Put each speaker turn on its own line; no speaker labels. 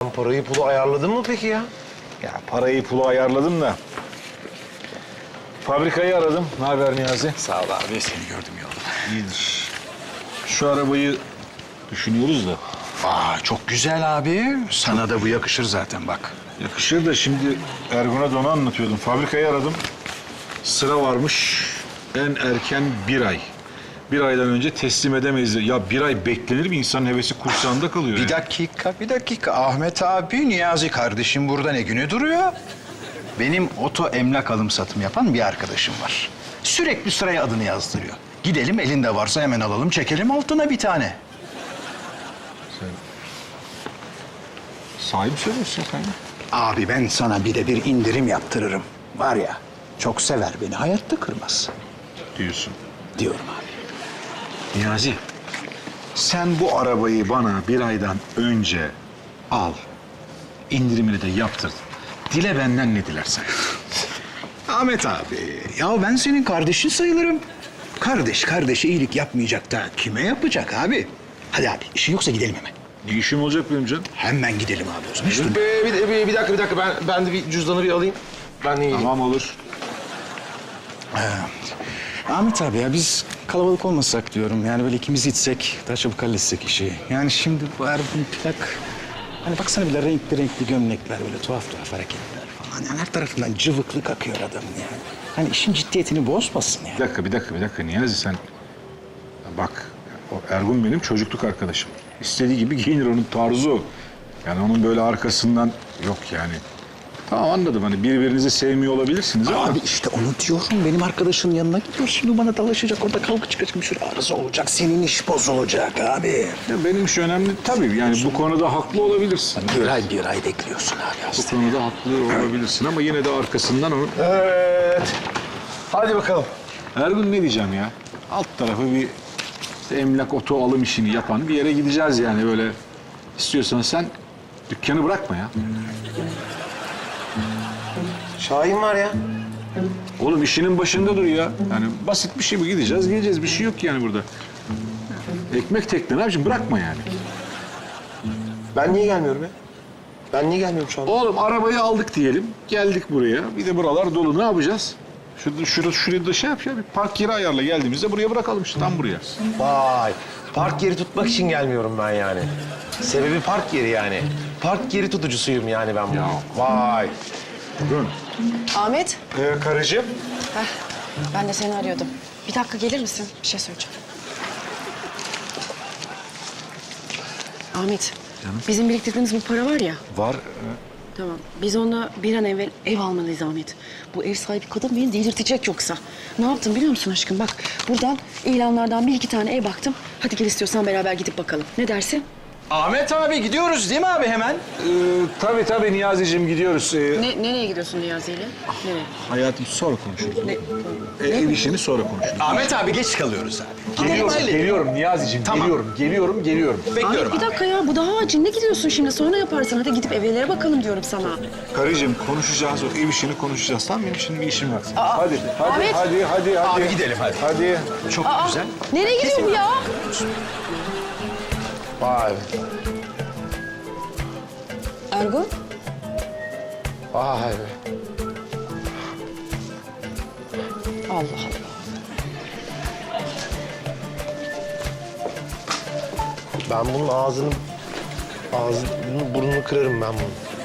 Sen parayı pulu ayarladın mı peki ya?
Ya parayı pulu ayarladım da. Fabrikayı aradım. Ne haber Niyazi?
Sağ ol abi, seni gördüm yolda.
İyidir. Şu arabayı düşünüyoruz da.
Çok güzel abi. Sana da bu yakışır zaten bak.
Yakışır da şimdi Ergun'a da onu anlatıyordum. Fabrikayı aradım. Sıra varmış. En erken 1 ay. 1 aydan önce teslim edemeyiz. Ya 1 ay beklenir mi? İnsanın hevesi kursağında kalıyor.
Bir dakika. Ahmet abi, Niyazi kardeşim burada ne günü duruyor? Benim oto emlak alım satım yapan bir arkadaşım var. Sürekli sıraya adını yazdırıyor. Gidelim, elinde varsa hemen alalım, çekelim altına bir tane.
Sahip söylüyorsun sen.
Abi ben sana bir indirim yaptırırım. Var ya, çok sever beni, hayatta kırmaz.
Diyorsun.
Diyorum abi.
Niyazi, sen bu arabayı bana 1 aydan önce al. İndirimini de yaptır. Dile benden ne dilersen.
Ahmet abi, ya ben senin kardeşin sayılırım. Kardeş kardeşe iyilik yapmayacak da kime yapacak abi? Hadi abi, işin yoksa gidelim hemen.
Ne işim olacak benim canım?
Hemen gidelim abi o zaman. Hiç durma.
Bir dakika. Ben de bir cüzdanı bir alayım. Ben de geleyim.
Tamam olur.
Ahmet abi ya biz kalabalık olmasak diyorum. Yani böyle ikimiz gitsek daha çabuk halletsek işi. Yani şimdi bu Ergun plak... Hani baksana bile renkli gömlekler, böyle tuhaf hareketler falan. Yani her tarafından cıvıklık akıyor adamın yani. Hani işin ciddiyetini bozmasın yani.
Bir dakika Niyazi sen... Bak, o Ergun benim çocukluk arkadaşım. İstediği gibi giyinir, onun tarzı o. Yani onun böyle arkasından yok yani. Tamam anladım, hani birbirinizi sevmiyor olabilirsiniz ama...
Abi işte onu diyorum. Benim arkadaşın yanına gidiyor. Şimdi bana dalaşacak. Orada kavga çıkacak. Bir sürü arıza olacak. Senin iş bozulacak abi.
Ya benim iş önemli tabii. Yani bu konuda haklı olabilirsin.
Bir ay bekliyorsun abi
Bu
aslında.
konuda haklı olabilirsin ama yine de arkasından onun...
Evet. Hadi bakalım.
Ergun ne diyeceğim ya? Alt tarafı bir işte emlak oto alım işini yapan bir yere gideceğiz yani böyle. İstiyorsan sen dükkanı bırakma ya.
Şahin var ya.
Oğlum işinin başında dur ya. Yani basit bir şey bu, gideceğiz geleceğiz, bir şey yok yani burada. Ekmek tekne ne yapayım, bırakma yani.
Ben niye gelmiyorum ya? Ben niye gelmiyorum şu anda?
Oğlum arabayı aldık diyelim, geldik buraya. Bir de buralar dolu, ne yapacağız? Şurada da şey yap ya, bir park yeri ayarla, geldiğimizde buraya bırakalım işte, tam buraya.
Vay. Park yeri tutmak için gelmiyorum ben yani. Sebebi park yeri yani. Park yeri tutucusuyum yani ben bunu. Vay.
Buyurun.
Ahmet,
Karıcığım.
ben de seni arıyordum. Bir dakika gelir misin? Bir şey söyleyeceğim. Ahmet, bizim biriktirdiğimiz bu para var ya.
Var.
Tamam, biz onunla bir an evvel ev almalıyız Ahmet. Bu ev sahibi kadın beni delirtecek yoksa. Ne yaptım biliyor musun aşkım? Bak, buradan ilanlardan 1-2 tane ev baktım. Hadi gel istiyorsan beraber gidip bakalım. Ne dersin?
Ahmet abi gidiyoruz değil mi abi hemen?
Tabii Niyazi'cim gidiyoruz.
Nereye gidiyorsun Niyazi ile? Nereye?
Hayatım sonra konuşuruz.
Ne?
Ev işini sonra konuşuruz.
Ahmet abi geç kalıyoruz abi.
Geliyorum Niyazi'cim,
Tamam.
geliyorum.
Bekliyorum
Ahmet bir dakika ya, bu daha acil. Ne gidiyorsun şimdi? Sonra yaparsın. Hadi gidip evlere bakalım diyorum sana.
Karıcığım konuşacağız, o ev işini konuşacağız. Tamam, benim şimdi bir işim var.
Ahmet.
Hadi.
Abi gidelim hadi.
Hadi.
Çok güzel.
Nereye gidiyor bu ya?
Vay.
Ergun?
Vay be.
Allah Allah.
Ben bunun ağzını burnunu kırarım ben bunu.